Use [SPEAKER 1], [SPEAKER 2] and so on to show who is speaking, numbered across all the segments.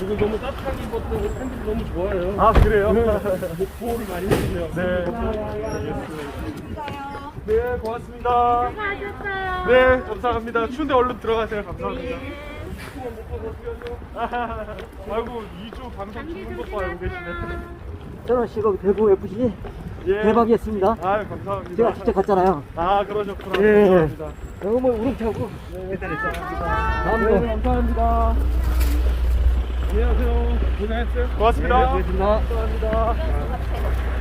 [SPEAKER 1] 그리고 너무 따뜻한 입었고 팬들이 너무 좋아요.
[SPEAKER 2] 아, 그래요?
[SPEAKER 1] 보호를 많이 해주세요.
[SPEAKER 2] 네. 네, 고맙습니다.
[SPEAKER 3] 수고하셨어요.
[SPEAKER 2] 네, 감사합니다. 추운데 얼른 들어가세요. 감사합니다. 아이고, 2주 방송 죽는 것도 알고 계시네.
[SPEAKER 4] 저는 지금 대구 FC
[SPEAKER 2] 예.
[SPEAKER 4] 대박이었습니다.
[SPEAKER 2] 아, 감사합니다.
[SPEAKER 4] 제가 직접 갔잖아요.
[SPEAKER 2] 아, 그러셨구나.
[SPEAKER 4] 예.
[SPEAKER 2] 감사합니다.
[SPEAKER 4] 너무 우렁차고
[SPEAKER 2] 네,
[SPEAKER 4] 다음으로
[SPEAKER 2] 감사합니다.
[SPEAKER 1] 안녕하세요. 고생했어요.
[SPEAKER 2] 고맙습니다.
[SPEAKER 4] 네, 고맙습니다.
[SPEAKER 2] 감사합니다.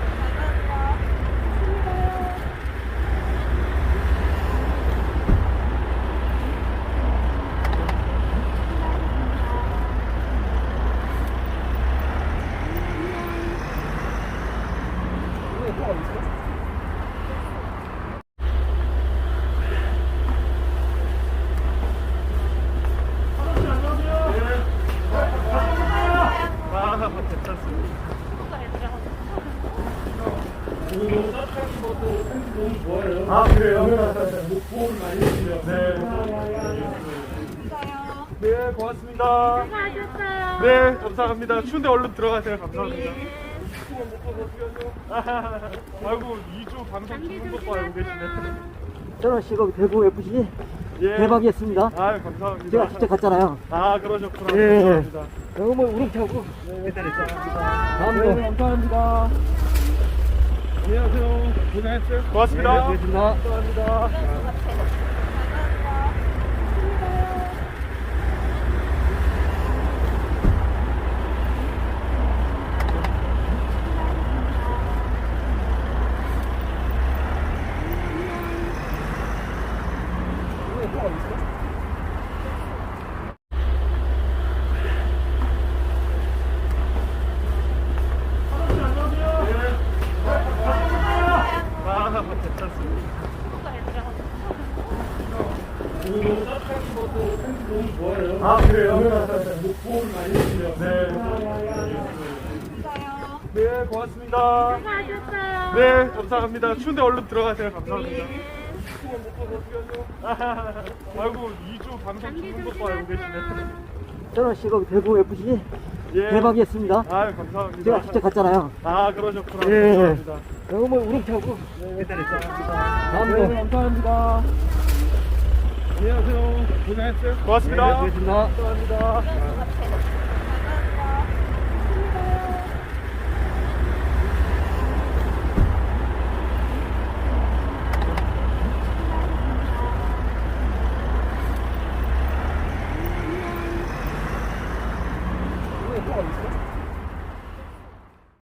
[SPEAKER 2] 아, 괜찮습니다.
[SPEAKER 1] 그리고 너무 따뜻한 입었고 팬들이 너무 좋아요.
[SPEAKER 2] 아, 그래요?
[SPEAKER 1] 보호를 많이 해주세요.
[SPEAKER 2] 네, 고맙습니다.
[SPEAKER 3] 수고하셨어요.
[SPEAKER 2] 네, 감사합니다. 추운데 얼른 들어가세요. 감사합니다. 아이고, 2주 방송 죽는 것도 알고 계시네.
[SPEAKER 4] 저는 지금 대구 FC
[SPEAKER 2] 예.
[SPEAKER 4] 대박이었습니다.
[SPEAKER 2] 아, 감사합니다.
[SPEAKER 4] 제가 직접 갔잖아요.
[SPEAKER 2] 아, 그러셨구나.
[SPEAKER 4] 예.
[SPEAKER 2] 감사합니다.
[SPEAKER 4] 너무 우렁차고
[SPEAKER 2] 네,
[SPEAKER 4] 다음으로
[SPEAKER 2] 감사합니다.
[SPEAKER 1] 안녕하세요. 고생했어요.
[SPEAKER 2] 고맙습니다.
[SPEAKER 4] 네, 고맙습니다.
[SPEAKER 2] 감사합니다. 아, 괜찮습니다.
[SPEAKER 1] 그리고 너무 따뜻한 입었고 팬들이 너무 좋아요.
[SPEAKER 2] 아, 그래요?
[SPEAKER 1] 보호를 많이 해주세요.
[SPEAKER 2] 네, 고맙습니다.
[SPEAKER 3] 수고하셨어요.
[SPEAKER 2] 네, 감사합니다. 추운데 얼른 들어가세요. 감사합니다. 아이고, 2주 방송 죽는 것도 알고 계시네.
[SPEAKER 4] 저는 지금 대구 FC
[SPEAKER 2] 예.
[SPEAKER 4] 대박이었습니다.
[SPEAKER 2] 아, 감사합니다.
[SPEAKER 4] 제가 직접 갔잖아요.
[SPEAKER 2] 아, 그러셨구나.
[SPEAKER 4] 예.
[SPEAKER 2] 감사합니다.
[SPEAKER 4] 너무 우렁차고
[SPEAKER 2] 네,
[SPEAKER 4] 다음으로
[SPEAKER 2] 감사합니다.
[SPEAKER 1] 안녕하세요. 고생했어요.
[SPEAKER 2] 고맙습니다.
[SPEAKER 4] 네, 고맙습니다.
[SPEAKER 2] 감사합니다.
[SPEAKER 4] 네,